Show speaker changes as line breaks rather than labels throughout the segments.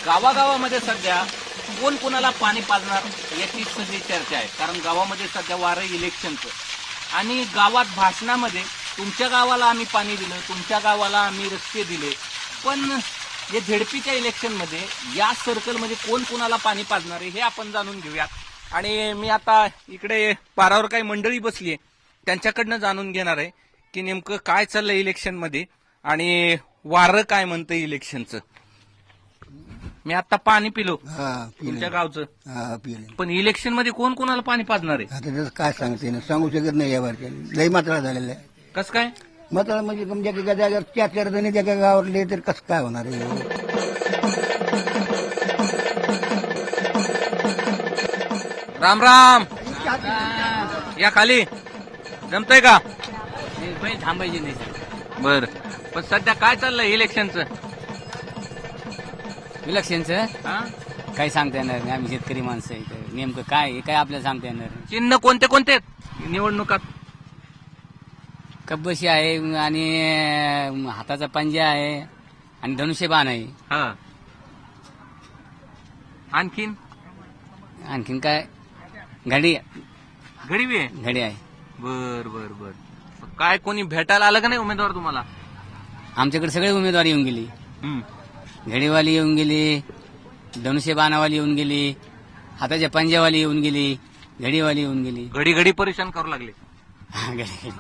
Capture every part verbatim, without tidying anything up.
गावागावामध्ये सध्या कोण कोणाला पाणी पाजणार याची सगळी चर्चा आहे. कारण गावामध्ये सध्या वारं इलेक्शनचं आणि गावात भाषणामध्ये तुमच्या गावाला आम्ही पाणी दिलं, तुमच्या गावाला आम्ही रस्ते दिले, पण या झेडपीच्या इलेक्शनमध्ये या सर्कलमध्ये कोण कोणाला पाणी पाजणार आहे हे आपण जाणून घेऊयात. आणि मी आता इकडे पारावर काही मंडळी बसली आहे त्यांच्याकडनं जाणून घेणार आहे की नेमकं काय चाललंय इलेक्शनमध्ये आणि वारं काय म्हणतं इलेक्शनचं. मी आता पाणी पिलो तुमच्या गावचं, पण इलेक्शन मध्ये कोण कोणाला पाणी पाजणार आहे
आता त्याचं काय सांगते ना, सांगू शकत नाही यावरच्या. लई मात्रा झालेला आहे.
कसं काय
मात्रा म्हणजे तुमच्या एका जागेवर चार चार जणी एका गावातले तर कसं काय होणार आहे.
राम राम या खाली जमतंय का
थांबायची नाही.
बर, पण सध्या काय चाललंय इलेक्शनचं.
इलेक्शनचं
हा?
काही सांगता येणार नाही. आम्ही शेतकरी माणसं आहे इथं. नेमकं काय आहे काय आपल्याला सांगता येणार नाही.
चिन्ह कोणते कोणते आहेत निवडणुकात.
कब्बशी आहे आणि हाताचा पंजा आहे आणि धनुष्यबाण आहे.
हा, आणखीन
आणखीन काय घडी
घडी आहे.
घडी आहे.
बर बर बर, काय कोणी भेटायला आलं का नाही उमेदवार तुम्हाला.
आमच्याकडे सगळे उमेदवार येऊन गेली.
हम्म.
घडीवाली येऊन गेली, धनुष्यबाणावाली येऊन गेली, हाताच्या पंजावाली येऊन गेली, घडीवाली येऊन गेली.
घडी घडी परेशान करू लागले.
घडी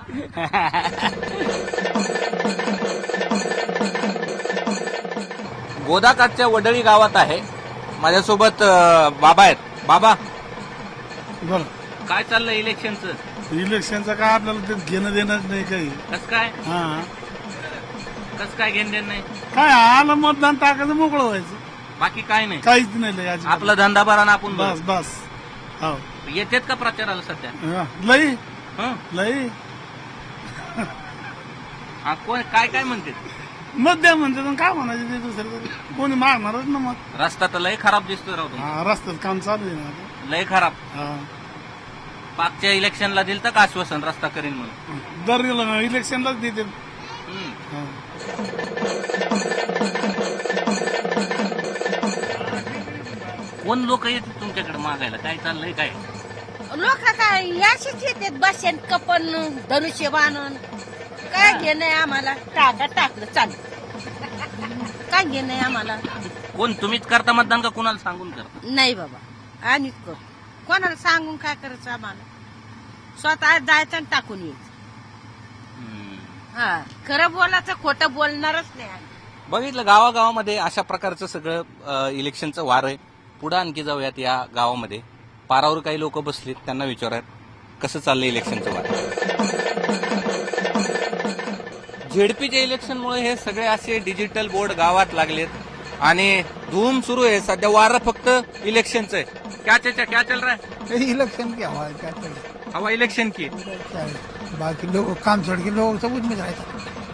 गोदाकाठच्या वडळी गावात आहे. माझ्यासोबत अं, बाबा आहेत. बाबा
बरं,
काय चाललंय इलेक्शनचं.
इलेक्शनचं काय आपल्याला ते घेणं देणंच नाही काही.
कस काय
हा,
कस काय घेणं देणं नाही.
काय आलं मतदान टाकायचं मोकळं व्हायचं.
बाकी काय नाही.
काहीच नाही लय अजिबात.
आपला धंदा बरा ना आपण
बस
बरं.
बस. हो,
येतेत का प्रचाराला सध्या.
हा, लई
हं?
लई
हा, कोण काय काय म्हणते.
मत द्या म्हणते पण काय म्हणायचं ते दुसरं कोणी मागणारच ना मत.
रस्ता तर लय खराब दिसतोय राव तुमचा.
हा, रस्त्यात काम चालू आहे ना आता.
लय खराब.
हा.
पाचच्या इलेक्शनला दिलं का आश्वासन रस्ता करीन म्हणून.
दर इलेक्शनलाच देते.
हं.
हा.
कोण लोक येतात तुमच्याकडे मागायला, काय चाललंय काय.
लोक काय याशीच येतात बसेन कपन धनुष्य बाणून. काय घेणं आम्हाला, टाका टाकलं चालू. काय घेणं आम्हाला.
कोण तुम्हीच करता मतदान का कोणाला सांगून करता.
नाही बाबा आम्हीच करू. कोणाला सांगून काय करायचं आम्हाला. स्वतः जायचं आणि टाकून यायचं.
हं.
हा, खरं बोलायचं खोटं बोलणारच नाही आम्ही.
बघितलं गावागावामध्ये अशा प्रकारचं सगळं अ, इलेक्शनचं वार आहे. पुढे आणखी जाऊयात या गावामध्ये. पारावर काही लोक बसलीत, त्यांना विचारूयात कसं चाललंय इलेक्शनचं वार. झेडपीच्या इलेक्शनमुळे हे सगळे असे डिजिटल बोर्ड गावात लागलेत आणि धूम सुरू आहे सध्या. वारं फक्त इलेक्शनचं आहे. क्या चाचा क्या चल रहा है.
इलेक्शन क्या हुआ, क्या चल
हवा इलेक्शन की.
रहा है. बाकी लोग काम छोड़ के लोग सब उसमें रहते.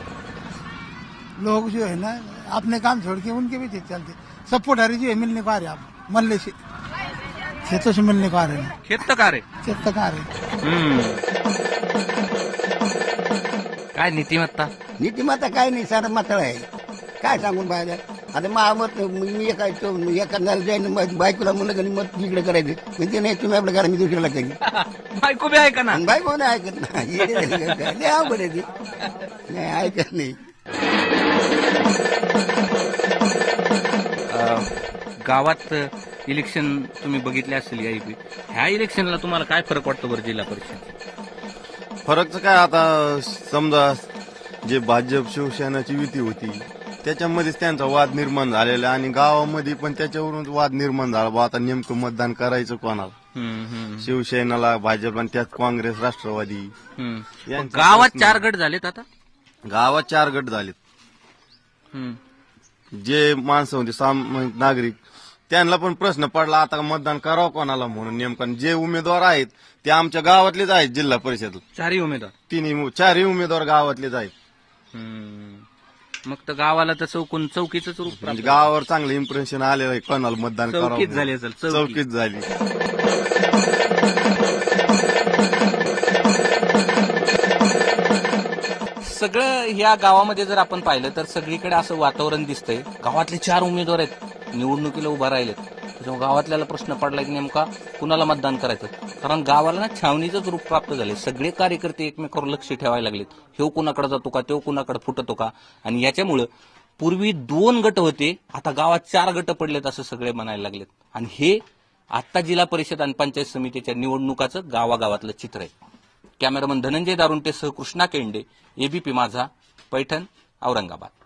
लोग जो है ना अपने काम छोड़ के उनके भी चलते. सपोर्ट हरी जो है मिलने को आ रहे आप मल्ले से खेतों से मिलने को आ रहे हैं.
खेत का रे.
खेत तक आ रहे.
हम्म. काय नीतिमत्ता.
नीतिमत्ता काय नाही, सारं मात्र आहे. काय सांगून बाहेर आता मा मत मी एका एखाद्याला जाईन बायकोला म्हणलं का मत इकडे करायचं म्हणजे नाही तुम्ही आपल्या घरा मी दुसऱ्याला करी.
बायको बी आहे का ना.
बायको नाही ऐकत नाही. अवघड आहे ते. नाही ऐकत नाही.
गावात इलेक्शन तुम्ही बघितले असेल या ह्या इलेक्शनला तुम्हाला काय फरक वाटतो बरं जिल्हा परिषद.
फरकचं काय आता समजा जे भाजप शिवसेनाची युती होती त्याच्यामध्येच त्यांचा वाद निर्माण झालेला आणि गावामध्ये पण त्याच्यावरून वाद निर्माण झाला. बा आता नेमकं मतदान करायचं कोणाला, शिवसेनेला, भाजप आणि त्यात काँग्रेस, राष्ट्रवादी. यांचं
गावात
प्रश्न-
चार गट झालेत आता.
गावात चार गट झालेत.
हम्म.
जे माणसं होते साम नागरिक त्यांना पण प्रश्न पडला आता मतदान करावं कोणाला म्हणून. नेमकं जे उमेदवार आहेत ते आमच्या गावातलेच आहेत. जिल्हा परिषद
चारही उमेदवार,
तिन्ही चारही उमेदवार गावातलेच आहेत.
हम्म. मग तर गावाला तर चौकून चौकीच रूप
म्हणजे
प्राप्त.
गावावर चांगलं इम्प्रेशन आलेलं आहे कोणाला मतदान करावं
चौकीच
म्हणून.
झाली असेल. चौकी.
चौकीच झाली.
सगळं ह्या गावामध्ये जर आपण पाहिलं तर सगळीकडे असं वातावरण दिसतंय. गावातले चार उमेदवार आहेत निवडणुकीला उभा राहिलेत त्याच्यामुळे गावातल्याला प्रश्न पडला की नेमका कुणाला मतदान करायचं. कारण गावाला ना छावणीचंच रूप प्राप्त झाले. सगळे कार्यकर्ते एकमेकावर लक्ष ठेवायला लागलेत. ह्यो कुणाकडे जातो का, तो कुणाकडे फुटतो का. आणि याच्यामुळं पूर्वी दोन गट होते, आता गावात चार गट पडलेत असं सगळे म्हणायला लागलेत. आणि हे आता जिल्हा परिषद आणि पंचायत समितीच्या निवडणुकाचं गावागावातलं चित्र आहे. कॅमेरामन धनंजय दारुंटे सह कृष्णा केंडे, एबीपी माझा, पैठण, औरंगाबाद.